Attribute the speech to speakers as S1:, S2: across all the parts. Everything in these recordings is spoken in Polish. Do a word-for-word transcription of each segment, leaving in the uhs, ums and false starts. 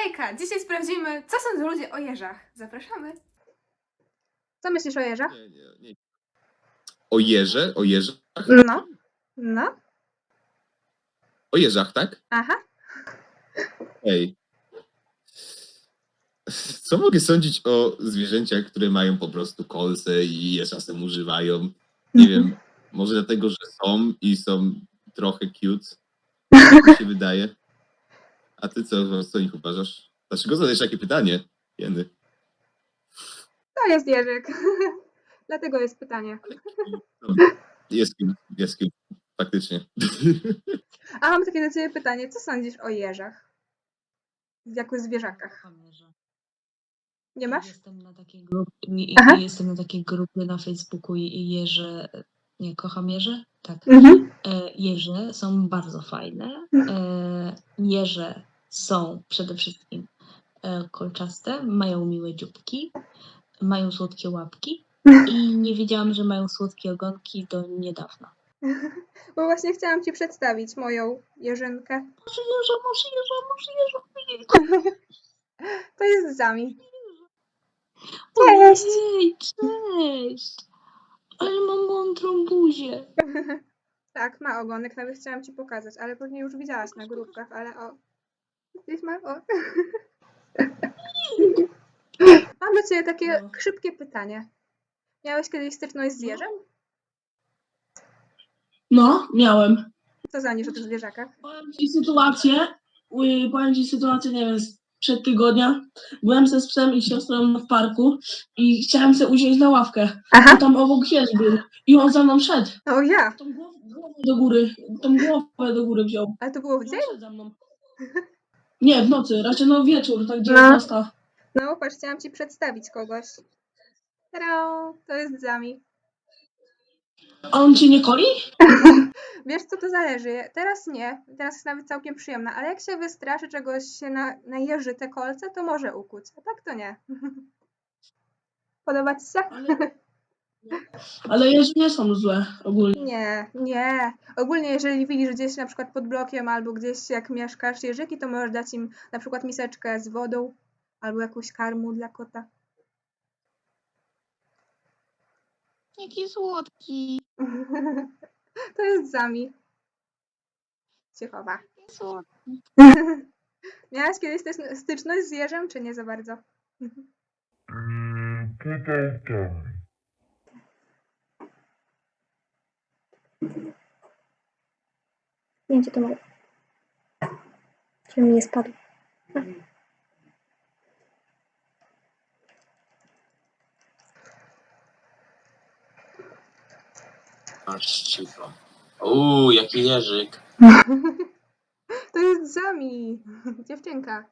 S1: Hejka! Dzisiaj sprawdzimy, co sądzą ludzie o jeżach. Zapraszamy. Co myślisz o jeżach?
S2: Nie, nie, nie. O jeże? O jeżach?
S1: No. No.
S2: O jeżach, tak?
S1: Aha.
S2: Ej. Co mogę sądzić o zwierzęciach, które mają po prostu kolce i je czasem używają? Nie wiem, może dlatego, że są i są trochę cute. Tak mi się wydaje. A ty co, co o nich uważasz? Dlaczego zadajesz takie pytanie, Jeny?
S1: To jest jeżyk. Dlatego jest pytanie.
S2: No, jest cute, jest cute. Faktycznie.
S1: A mam takie do ciebie pytanie. Co sądzisz o jeżach? Jako zwierzakach.
S3: Kocham jeże.
S1: Nie masz?
S3: Jestem na takiej grupie, nie,
S1: Aha.
S3: jestem na takiej grupie na Facebooku i i jeże, nie, kocham jeże? Tak.
S1: Mhm.
S3: E, jeże są bardzo fajne. E, jeże są przede wszystkim e, kolczaste, mają miłe dzióbki, mają słodkie łapki i nie wiedziałam, że mają słodkie ogonki do niedawna.
S1: Bo właśnie chciałam ci przedstawić moją jeżynkę.
S3: Może jeża, może jeża, może jeża.
S1: To jest Zami.
S3: Cześć! Ojej, cześć! Ale mam mądrą buzię.
S1: Tak, ma ogonek, nawet chciałam ci pokazać, ale pewnie już widziałaś na grupkach, ale o. Gdzieś ma, o. Mam do ciebie takie
S3: No.
S1: szybkie pytanie. Miałeś kiedyś styczność z
S3: No.
S1: jeżem?
S4: No, miałem.
S1: Co sądzisz o tych zwierzakach?
S4: Powiem ci sytuację, y, powiem ci sytuację, nie wiem, sprzed tygodnia. Byłem ze psem i siostrą w parku i chciałem sobie usiąść na ławkę.
S1: Aha.
S4: A tam obok jeż był i on za mną szedł.
S1: O ja!
S4: Tą głowę, głowę do góry, tą głowę do góry wziął.
S1: Ale to było w
S4: I
S1: dzień?
S4: on szedł za mną. Nie, w nocy, raczej no wieczór, tak
S1: No.
S4: dziewiętnasta.
S1: No, patrz, chciałam ci przedstawić kogoś. Tada! To jest Zami.
S4: A on cię nie koli?
S1: Wiesz, co to zależy? Teraz nie. Teraz jest nawet całkiem przyjemna, ale jak się wystraszy czegoś, się na, najeży te kolce, to może ukuć. A tak to nie. Podoba ci się?
S4: Ale, ale jeże nie są złe ogólnie.
S1: Nie, nie. Ogólnie jeżeli widzisz gdzieś na przykład pod blokiem albo gdzieś jak mieszkasz jeżyki, to możesz dać im na przykład miseczkę z wodą albo jakąś karmu dla kota.
S5: Jaki słodki.
S1: To jest Zami. Się chowa.
S5: Słodki.
S1: Miałaś kiedyś też styczność z jeżem, czy nie za bardzo?
S6: Mm, pytał tam.
S1: Zdjęcie to moje. Żeby mi nie spadł.
S7: Aż cicho. Uuu, jaki jeżyk.
S1: To jest Zami. Dziewczynka.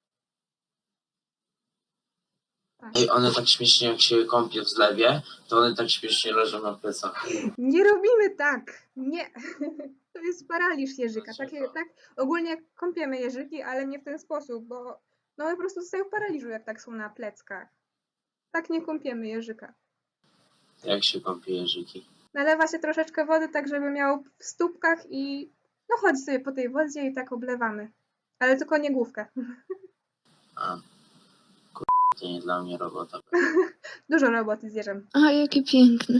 S1: Tak.
S7: Ej, one tak śmiesznie jak się kąpią w zlewie, to one tak śmiesznie leżą na plecach.
S1: Nie robimy tak. Nie. To jest paraliż jeżyka. Takie, tak? Ogólnie kąpiemy jeżyki, ale nie w ten sposób, bo no one po prostu zostają w paraliżu, jak tak są na pleckach. Tak nie kąpiemy jeżyka.
S7: Jak się kąpie jeżyki.
S1: Nalewa się troszeczkę wody, tak żeby miał w stópkach i no chodzi sobie po tej wodzie i tak oblewamy. Ale tylko nie główkę.
S7: A. Kur... to nie dla mnie robota.
S1: Dużo roboty z jeżem.
S5: A, jakie piękne.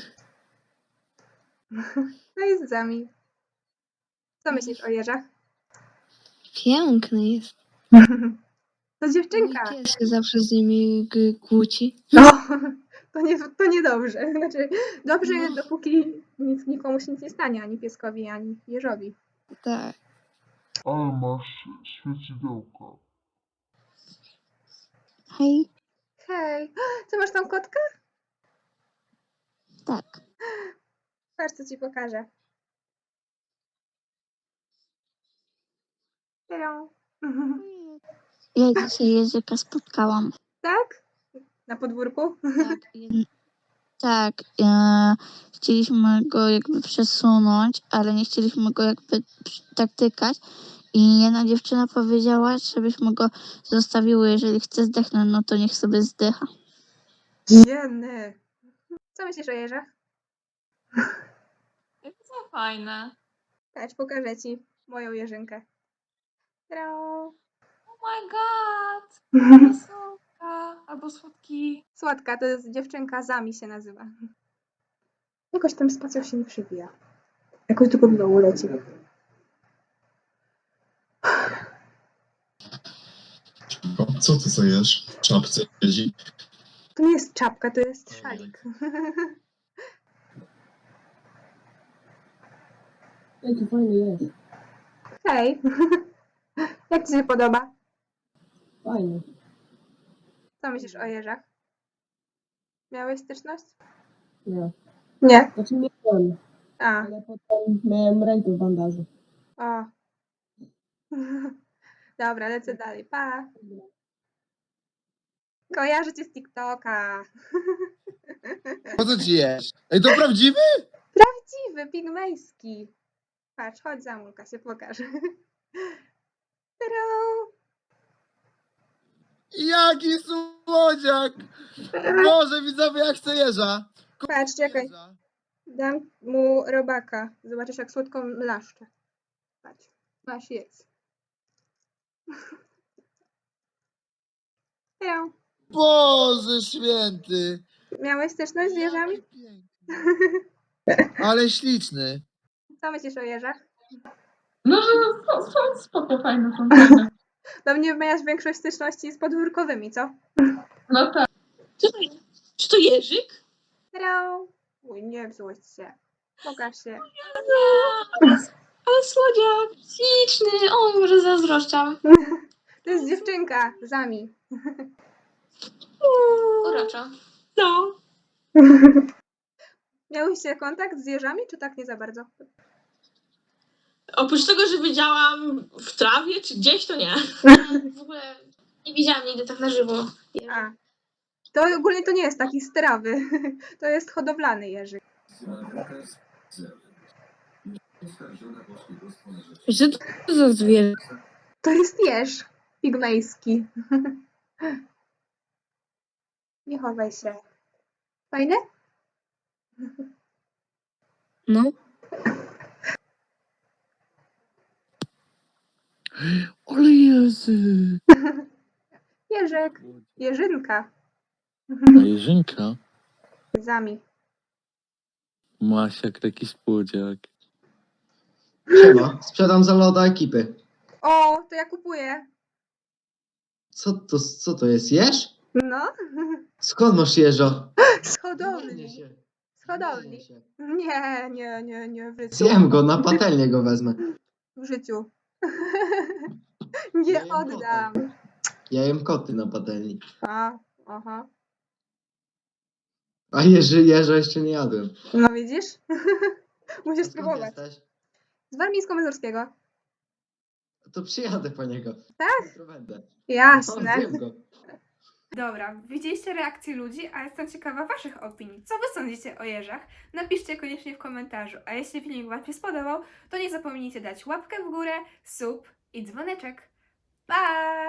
S1: No i z Zami. Co myślisz o jeżach?
S5: Piękny jest.
S1: To dziewczynka.
S5: Mój pies się zawsze z nimi g- kłóci.
S1: No, to, nie, to niedobrze. Znaczy, dobrze
S5: No.
S1: jest, dopóki nic, nikomu się nic nie stanie, ani pieskowi, ani jeżowi.
S5: Tak.
S6: Ale masz świecidełka.
S5: Hej.
S1: Hej, co masz tą kotkę?
S5: Tak.
S1: Patrz, co ci pokażę. Hello.
S5: Ja dzisiaj jeżyka spotkałam.
S1: Tak? Na podwórku?
S5: Tak. jed- Tak. E, chcieliśmy go jakby przesunąć, ale nie chcieliśmy go jakby przy- tak tykać. I jedna dziewczyna powiedziała, żebyśmy go zostawiły, jeżeli chce zdechnąć, no to niech sobie zdycha.
S1: Jeny. Co myślisz o jeżach?
S8: Co fajne.
S1: Patrz, pokażę ci moją jeżynkę. Hello.
S3: my god! Taka słodka. Albo słodki.
S1: Słodka, to jest dziewczynka, Zami się nazywa. Jakoś ten spacjal się nie przewija. Jakoś tylko w dołu leci.
S8: O, co ty co jesz? W czapce siedzi.
S1: To nie jest czapka, to jest szalik.
S4: Jaki fajny jest.
S1: Hej, jak ci się podoba?
S4: Fajny.
S1: Co myślisz o jeżach? Miałeś styczność?
S4: Nie.
S1: Nie.
S4: Znaczy nie byłem,
S1: A,
S4: ale potem miałem rękę w bandażu.
S1: o. Dobra, lecę dalej. Pa. Kojarzę cię z TikToka.
S2: Po co ci jesz? Ej, to prawdziwy?
S1: Prawdziwy, pigmejski. Patrz, chodź za Mulka, się pokażę. Tadam!
S2: Jaki słodziak! Boże, widzowie, jak chcę jeża!
S1: Patrz, czekaj.
S2: Jeża.
S1: Dam mu robaka. Zobaczysz, jak słodko mlaszcze. Patrz, masz jedz. Tadam!
S2: Boże święty!
S1: Miałeś styczność z jeżami?
S2: Jaki piękny. Ale śliczny.
S1: Co myślisz o jeżach?
S3: No, że są, są spoko, fajne, są fajne.
S1: Do mnie miałaś większość styczności z podwórkowymi, co?
S3: No tak. Czy to, czy to Jerzyk?
S1: Tadam! Uj, nie złość się. Pokaż się.
S3: Ale, ale słodziak, śliczny. O, może zazdroszczam.
S1: To jest dziewczynka, Zami.
S3: Urocza. No.
S1: Miałyście kontakt z jeżami, czy tak nie za bardzo?
S3: Oprócz tego, że widziałam w trawie, czy gdzieś, to nie. W ogóle nie widziałam nigdy tak na żywo.
S1: A. To ogólnie to nie jest taki z trawy. To jest hodowlany jeżyk.
S3: Co to za zwierzę?
S1: To jest jeż pigmejski. Nie chowaj się. Fajne?
S3: No.
S2: Ale Jezu!
S1: Jeżyk. Jeżynka.
S9: A Jerzynka
S1: Zami.
S9: masz jak taki spłodziak.
S10: Siema, sprzedam za loda ekipy.
S1: O, to ja kupuję.
S10: Co to, co to jest, jeż?
S1: No.
S10: Skąd masz jeża?
S1: Z
S10: Zmienię
S1: hodowli.
S10: się.
S1: Z hodowli.
S10: Zmienię się.
S1: Nie, nie, nie, nie. W życiu.
S10: Zjem go, na patelnię go wezmę.
S1: W życiu.
S10: Ja
S1: Nie
S10: jem
S1: oddam.
S10: koty. Ja jem koty na patelni.
S1: A, aha.
S10: A jeży, jeża jeszcze nie jadłem.
S1: No widzisz?
S10: A
S1: Musisz
S10: skąd
S1: spróbować.
S10: jesteś?
S1: Z Warmińsko-Mazurskiego.
S10: To przyjadę po niego.
S1: Tak?
S10: Jutro będę.
S1: Jasne.
S10: O, zjem go.
S1: Dobra, widzieliście reakcje ludzi, a jestem ciekawa waszych opinii. Co wy sądzicie o jeżach? Napiszcie koniecznie w komentarzu. A jeśli filmik wam się spodobał, to nie zapomnijcie dać łapkę w górę, sub i dzwoneczek. Pa!